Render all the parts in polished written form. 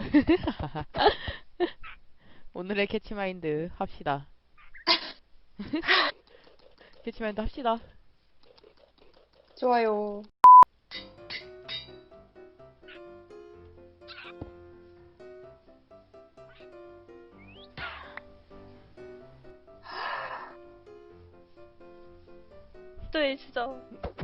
오늘의 캐치마인드 합시다. 캐치마인드 합시다. 좋아요. 또 있어.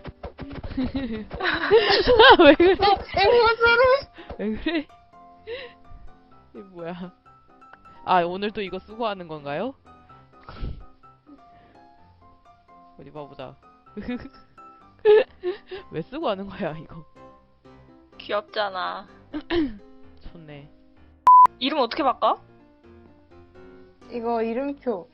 왜 그래? 앵무새를. 왜 그래? 이게 뭐야? 아, 오늘 또 이거 쓰고 하는 건가요? 어디 봐보자. 왜 쓰고 하는 거야, 이거? 귀엽잖아. 좋네. 이름 어떻게 바꿔? 이거 이름표.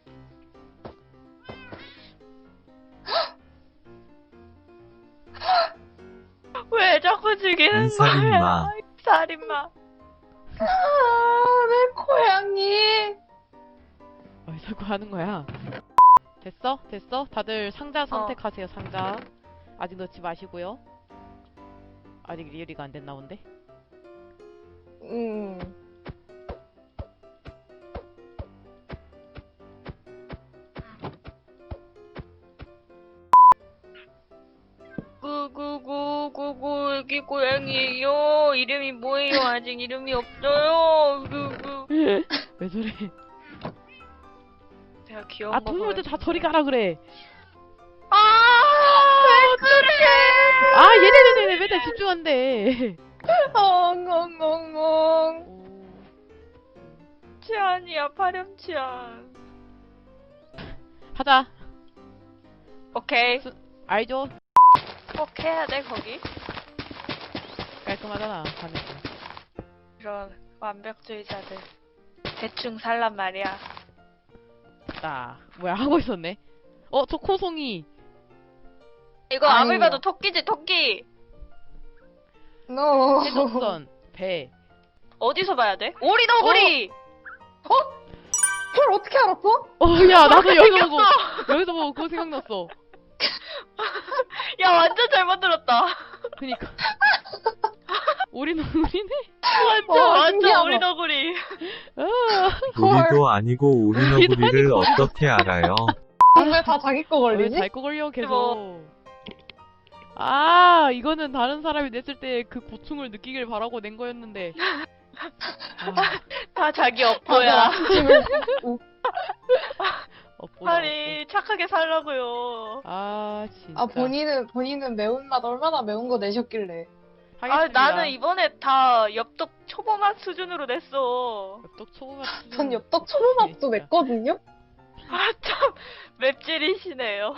왜 자꾸 죽이는 이 살인마. 거야? 살인마. 내 고양이. 왜 자꾸 하는 거야? 됐어? 됐어? 다들 상자 선택하세요, 상자. 아직 넣지 마시고요. 아직 리얼이가 안 됐나 본데? 음. 구구구구구 여기 고양이에요. 이름이 뭐예요? 아직 이름이 없어요. 구구. 왜 저래? 제가 귀여운 아, 거 동물들 다 보여주세요. 저리 가라 그래. 왜 그래? 아, 얘네네네 맨날 집중한대. 엉엉엉엉. 치안이야, 파렴치안. 하자. 오케이. 알죠? 꼭 해야 돼, 거기? 깔끔하잖아, 하니까. 이런 완벽주의자들. 대충 살란 말이야. 나 뭐야 하고 있었네. 저 코송이. 이거 아니요. 아무리 봐도 토끼지, 토끼! 너. 해적선, 배. 어디서 봐야 돼? 오리너구리! 그걸 어떻게 알았어? 야, 나도 여기서 보고 그거 생각났어. 야, 완전 잘 만들었다. 그니까. 우리는 완전 신기하다. 오리너구리. 우리도 아니고 오리너구리를 어떻게 알아요? 왜 다 자기 거 왜 걸리지? 잘 거 걸려 계속. 아, 이거는 다른 사람이 냈을 때 그 고충을 느끼길 바라고 낸 거였는데. 다 자기 업보야. 엇보다. 착하게 살라고요. 아, 진짜. 아, 본인은 매운맛 얼마나 매운 거 내셨길래. 하겠습니다. 나는 이번에 다 엽떡 초보맛 수준으로 냈어. 엽떡 초보맛 수준. 전 엽떡 초보맛도 진짜. 냈거든요? 아, 참, 맵찔이시네요.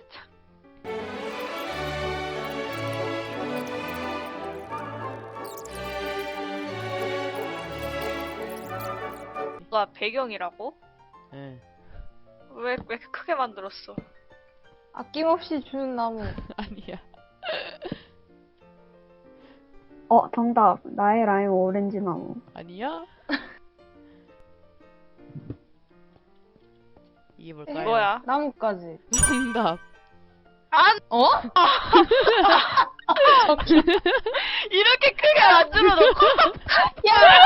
가 배경이라고? 응. 왜 크게 만들었어? 아낌없이 주는 나무. 아니야. 정답. 나의 라임 오렌지 나무. 아니야? 이게 뭘까요? 뭐야? 나무까지. 정답. 어? 이렇게 크게 만들어 놓고 야!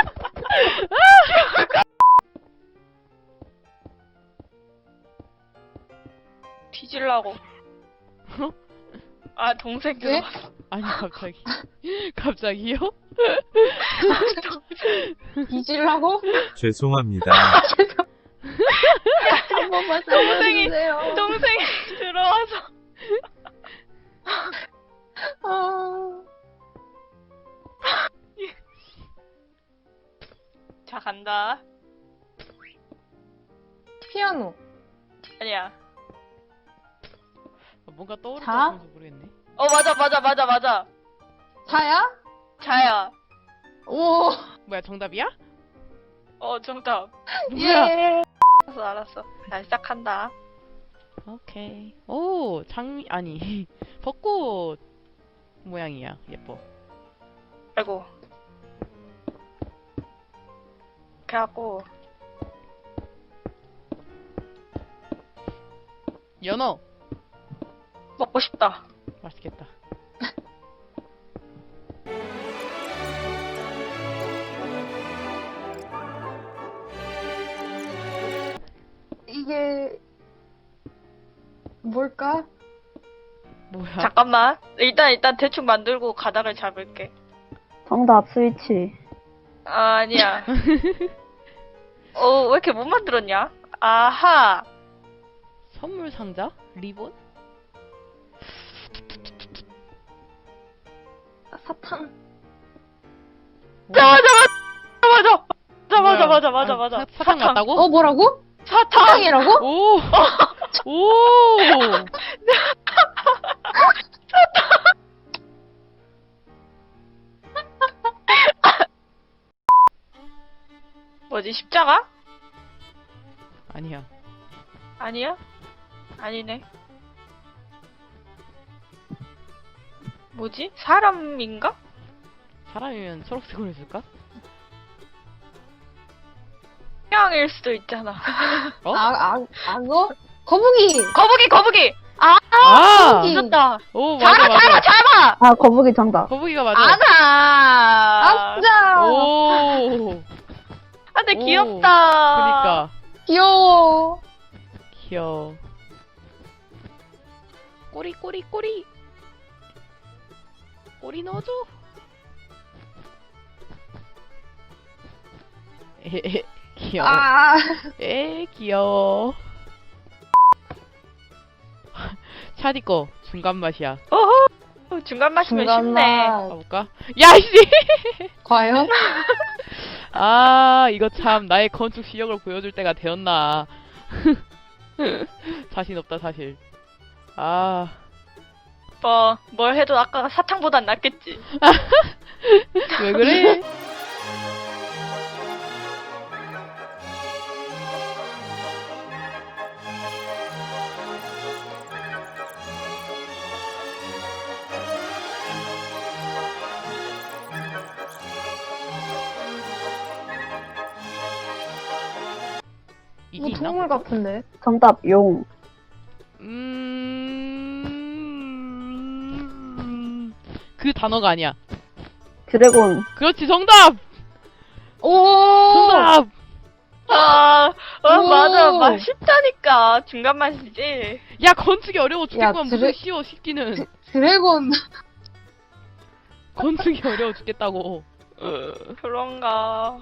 뒤질라고. 아, 동생 왜? 들어왔어. 아니, 갑자기. 갑자기요? 뒤질라고? 죄송합니다. 한 번만 동생이- 살려주세요. 동생이 들어와서. 아... 자, 간다. 피아노. 아니야. 뭔가 떠오르는 자? 것 같아서 모르겠네. 맞아. 자야? 자야. 오. 뭐야, 정답이야? 정답. 뭐야? 예. 알았어. 자, 시작한다. 오케이. 오, 아니. 벚꽃 모양이야. 예뻐. 아이고. 이렇게 하고. 연어. 먹고 싶다. 맛있겠다. 뭘까? 뭐야? 잠깐만. 일단 대충 만들고 가닥을 잡을게. 정답 스위치. 아, 아니야. 왜 이렇게 못 만들었냐? 아하. 선물 상자? 리본? 사탕. 맞아. 사탕 맞다고? 뭐라고? 사탕. 사탕이라고? 오! 오! 뭐지, 십자가? 아니야. 아니야? 아니네. 뭐지? 사람인가? 사람이면 초록색으로 해줄까? 태양일 수도 있잖아. 어? 악어? 거북이! 거북이! 아! 늦었다. 오, 맞아, 맞아. 잡아! 아, 거북이 정답. 거북이가 맞아. 아나! 아싸! 오! 아, 근데 오, 귀엽다. 그니까. 귀여워. 귀여워. 꼬리. 꼬리 넣어줘. 에헤헤, 귀여워. 귀여워. 차디 거 중간 맛이야. 중간 맛이면 중간 쉽네. 맛. 가볼까? 야, 이씨! 과연? 아, 이거 참 나의 건축 실력을 보여줄 때가 되었나. 자신 없다, 사실. 아, 뭘 해도 아까 사탕보단 낫겠지. 왜 그래? 이게 뭐 있나? 동물 같은데? 정답 용. 그 단어가 아니야. 드래곤. 그렇지, 정답! 오! 정답! 오. 맞아. 쉽다니까. 중간 맛이지. 야, 건축이 어려워 죽겠구만. 무슨 드래- 쉬워, 쉽기는. 드래곤. 건축이 어려워 죽겠다고. 그런가.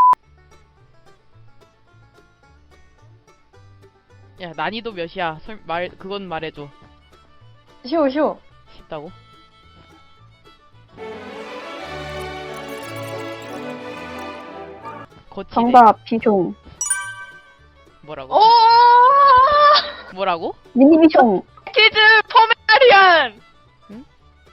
야, 난이도 몇이야? 그건 말해줘. 쉬워. 쉽다고? 거치대? 정답 비숑. 뭐라고? 오! 뭐라고? 미니비숑. 키즈 포메라리안! 응?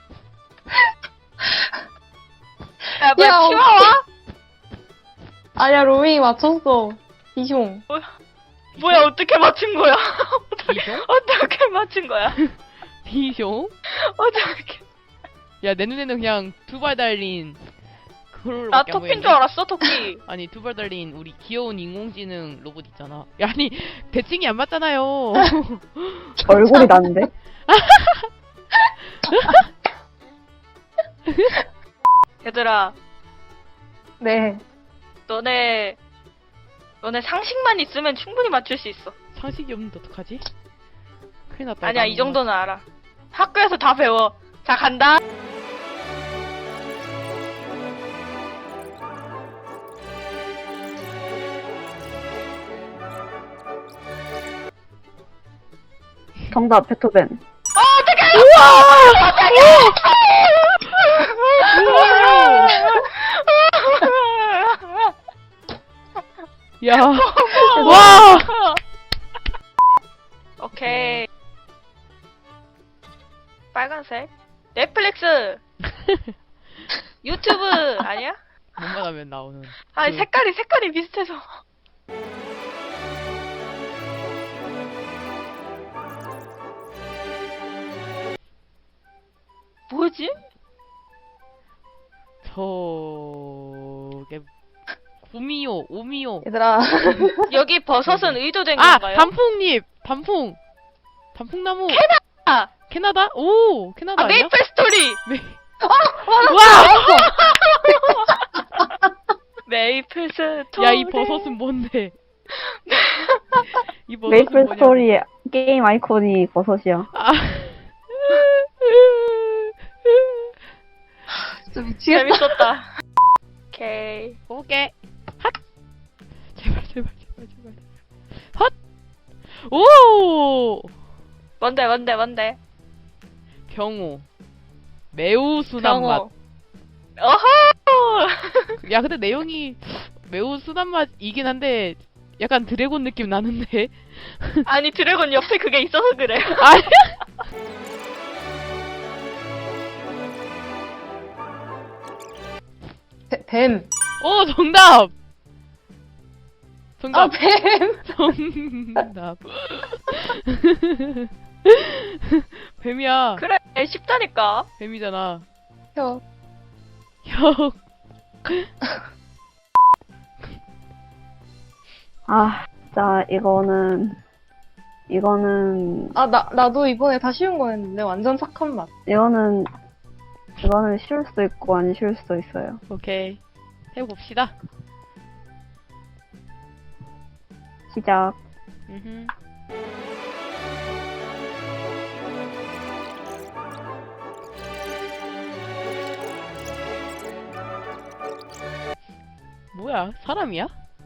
야, 뭐야, 야, 치와와? 아니야, 로밍이 맞췄어. 비숑. 뭐야, 어떻게 맞춘 거야? 비숑? 어떻게 맞춘 거야? 비숑? 어떻게. 야, 내 눈에는 그냥 두 발 달린 그걸로 나 토끼인 줄 알았어, 토끼. 아니, 두 발 달린 우리 귀여운 인공지능 로봇 있잖아. 야, 아니, 대칭이 안 맞잖아요. 얼굴이 나는데? 얘들아, 네. 너네 상식만 있으면 충분히 맞출 수 있어. 상식이 없는데 어떡하지? 큰일 났다. 아니야, 이거 이 정도는 알아. 학교에서 다 배워. 자, 간다. 정답 베토벤. 야, 와! 오케이. 빨간색. 넷플릭스. 유튜브 아니야? 뭔가 하면 나오는. 아니, 그- 색깔이 비슷해서. 뭐지? 저게 오미요. 얘들아. 여기 버섯은 의도된 아, 건가요? 단풍나무. 아, 캐나다? 오, 캐나다 아니야? 메이플 스토리. 와! 메이플 스토리. 야, 이 버섯은 뭔데? 이 버섯은 메이플 뭐냐? 스토리의 게임 아이콘이 버섯이야. 아. 진짜 미치겠다. 재밌었다. 오케이. 오케이. 핫. 제발. 헛. 오. 뭔데? 경우. 매우 순한 맛. 경호. 어허! 야, 근데 내용이 매우 순한 맛이긴 한데 약간 드래곤 느낌 나는데. 아니, 드래곤 옆에 그게 있어서 그래. 아니. 뱀. 정답. 아, 뱀. 정답. 뱀이야. 그래, 쉽다니까. 뱀이잖아. 혀. 형. 아, 진짜 이거는 아, 나도 이번에 다 쉬운 거였는데, 완전 착한 맛. 이거는 쉬울 수도 있고 안 쉬울 수도 있어요. 오케이. 해봅시다. 시작. 음흠. 뭐야? 사람이야?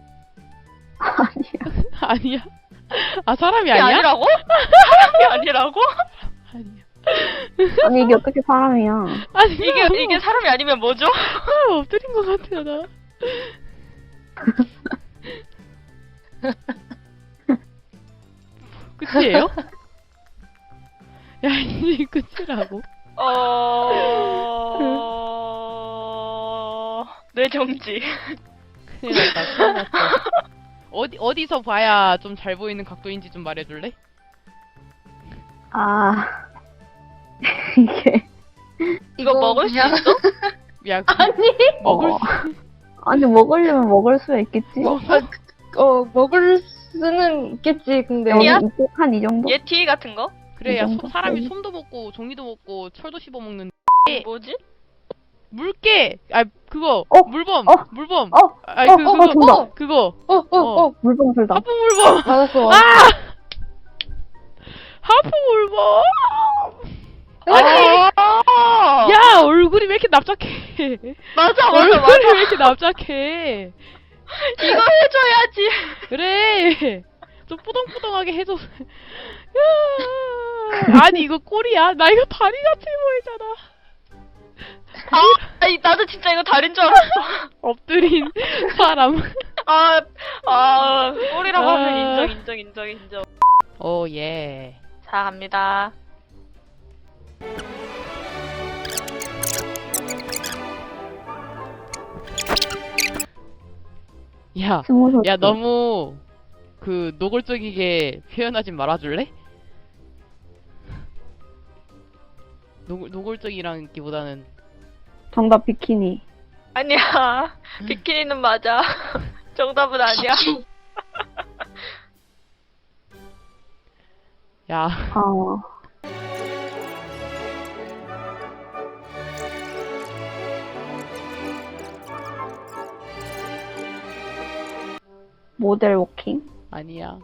아니야. 아니야? 아, 사람이 이게 아니야? 아니라고? 사람이 아니라고? 아니야. 아니 이게 어떻게 사람이야? 아니, 이게 사람이 아니면 뭐죠? 사람 엎드린 것 같아요, 나. 끝이에요? 야, 이제 끝이라고? 뇌정지. 큰일 났다, 큰일 났어. 어디서 봐야 좀 잘 보이는 각도인지 좀 말해줄래? 아 이게 이거 먹을 수 그냥- 있어? 야, 아니. 먹을 어. 수, 아니 먹으려면 먹을 수 있겠지. 먹을 수는 있겠지, 근데. 야. 한 이 정도? 예티 같은 거? 그래, 야, 이 정도? 사람이 솜도 먹고, 종이도 먹고, 철도 씹어먹는 뭐지? 물개! 아, 그거! 어? 물범! 어? 물범! 어? 아니, 정답. 그거! 물범술다. 하프 물범! 맞았어. 하프 물범! 아니! 야, 얼굴이 왜 이렇게 납작해? 맞아. 얼굴이 왜 이렇게 납작해? 이거 해줘야지. 그래! 좀 뿌덩뿌덩하게 해줘. 야, 아니, 이거 꼬리야? 나 이거 다리 같이 보이잖아. 아니, 나도 진짜 이거 다리인 줄 알았어. 엎드린 사람. 꼬리라고 아. 하면 인정. 오, 예. 자, 갑니다. 야, 스무살. 야, 너무, 노골적이게 표현하지 말아줄래? 노골적이라기보다는, 정답 비키니. 아니야. 비키니는 맞아. 정답은 아니야. 야, 아 모델 워킹? 아니야.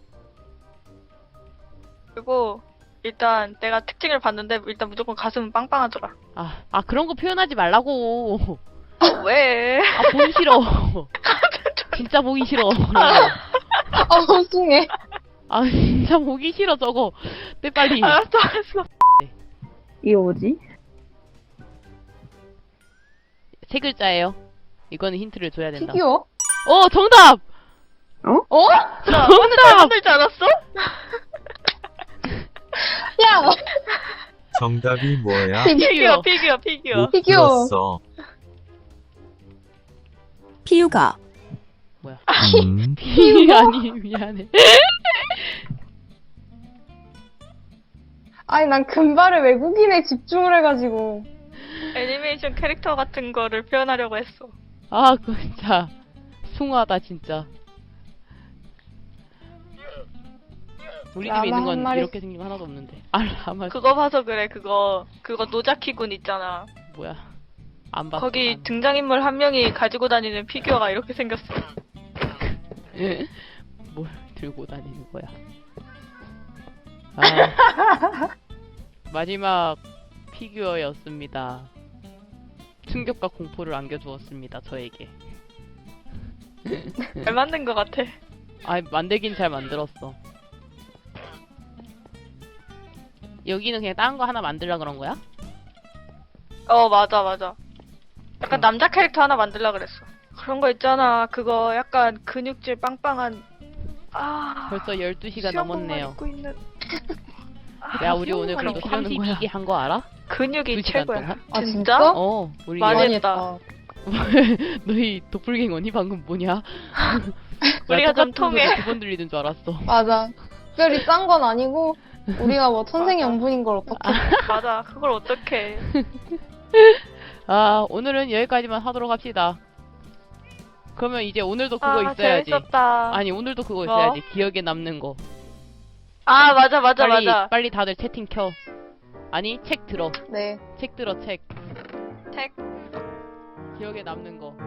그리고 일단 내가 특징을 봤는데 일단 무조건 가슴은 빵빵하더라. 그런 거 표현하지 말라고. 왜? 보기 싫어. 진짜 보기 싫어. 숭해. 진짜 보기 싫어, 저거. 내 빨리. 알았어. 이게 뭐지? 세 글자예요. 이거는 힌트를 줘야 된다. 피규어? 정답! 어? 나 오늘 잘 만들지 않았어? 야! 정답이 뭐야? 피규어. 못 피규어. 들었어. 피우가 뭐야? 아니, 미안해. 아니, 난 금발의 외국인에 집중을 해가지고. 애니메이션 캐릭터 같은 거를 표현하려고 했어. 그거 진짜. 숭하다, 진짜. 우리 집에 있는 라마 한 건 마리. 이렇게 생긴 거 하나도 없는데. 라마. 그거 봐서 그래. 그거 노자키군 있잖아. 뭐야. 안 봤어. 거기 등장인물 한 명이 가지고 다니는 피규어가 이렇게 생겼어. 뭘 들고 다니는 거야. 아, 마지막 피규어였습니다. 충격과 공포를 안겨주었습니다, 저에게. 잘 만든 것 같아. 아, 만들긴 잘 만들었어. 여기는 그냥 다른 거 하나 만들라 그런 거야? 맞아. 약간 남자 캐릭터 하나 만들라 그랬어. 그런 거 있잖아. 그거 약간 근육질 빵빵한. 벌써 12시가 수영복만 넘었네요. 입고 있는. 야, 우리 오늘 수영복만 그래도 입고 하는 거야. 32개 한 거 알아? 근육이 2시간 최고야. 동안? 아, 진짜? 진짜? 어, 우리 많이 많이 했다. 너희 도플갱어니? 방금 뭐냐? 우리가 좀 통해. 두번 들리는 줄 알았어. 맞아. 특별히 싼 건 아니고, 우리가 뭐 천생연분인 걸 어떡해. 맞아. 그걸 어떡해. 아, 오늘은 여기까지만 하도록 합시다. 그러면 이제 오늘도 그거 있어야지. 재밌었다. 아니, 오늘도 그거 뭐? 있어야지. 기억에 남는 거. 맞아. 빨리 다들 채팅 켜. 아니, 책 들어. 네. 책 들어, 책. 책. 기억에 남는 거.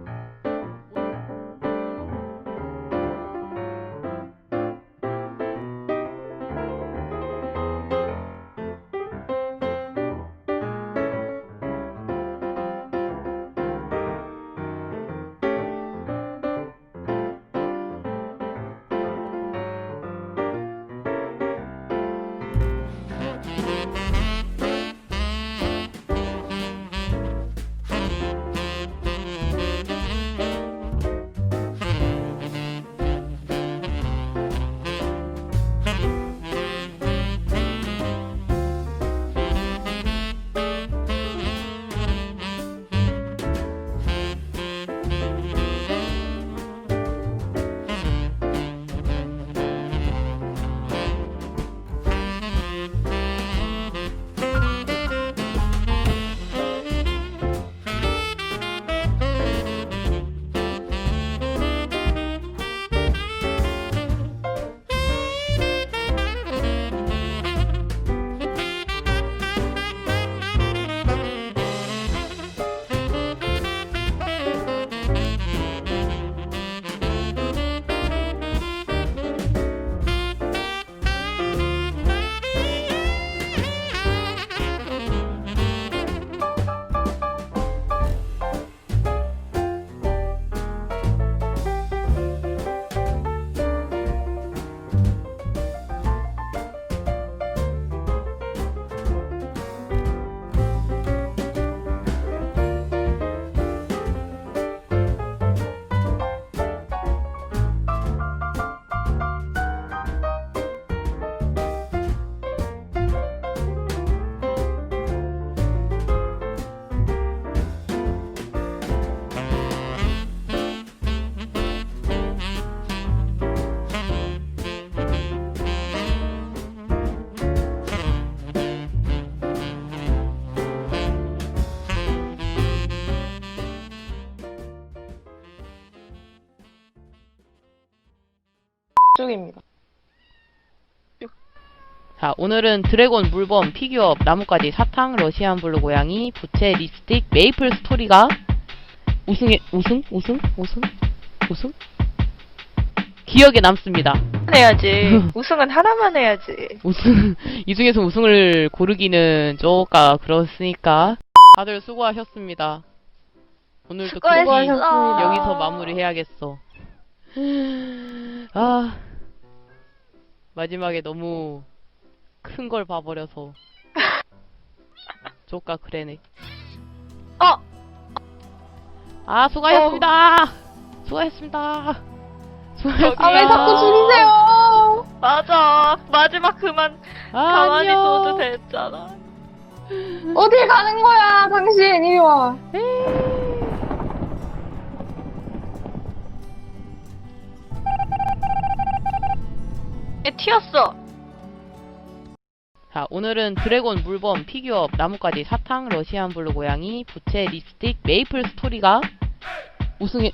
쪽입니다. 자, 오늘은 드래곤, 물범, 피규어, 나뭇가지, 사탕, 러시안 블루 고양이, 부채, 립스틱, 메이플 스토리가 우승? 기억에 남습니다. 해야지. 우승은 하나만 해야지. 이 중에서 우승을 고르기는 조금 그렇으니까 다들 수고하셨습니다. 오늘도 수고하셨습니다. 여기서 마무리해야겠어. 아, 마지막에 너무 큰 걸 봐버려서 조까 그래네. 아, 수고하셨습니다. 수고하셨습니다. 수고하셨습니다. 아, 왜 자꾸 줄이세요? 맞아. 마지막 그만 가만히 안녕. 둬도 됐잖아. 어딜 가는 거야, 당신. 이리 와. 얘 튀었어. 자, 오늘은 드래곤, 물범, 피규어, 나뭇가지, 사탕, 러시안 블루 고양이, 부채, 립스틱, 메이플 스토리가 우승?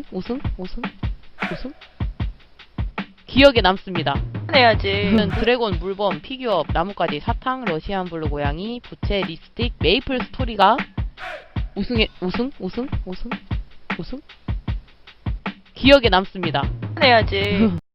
기억에 남습니다. 해야지. 오늘은 드래곤, 물범, 피규어, 나뭇가지, 사탕, 러시안 블루 고양이, 부채, 립스틱, 메이플 스토리가 우승? 기억에 남습니다. 해야지.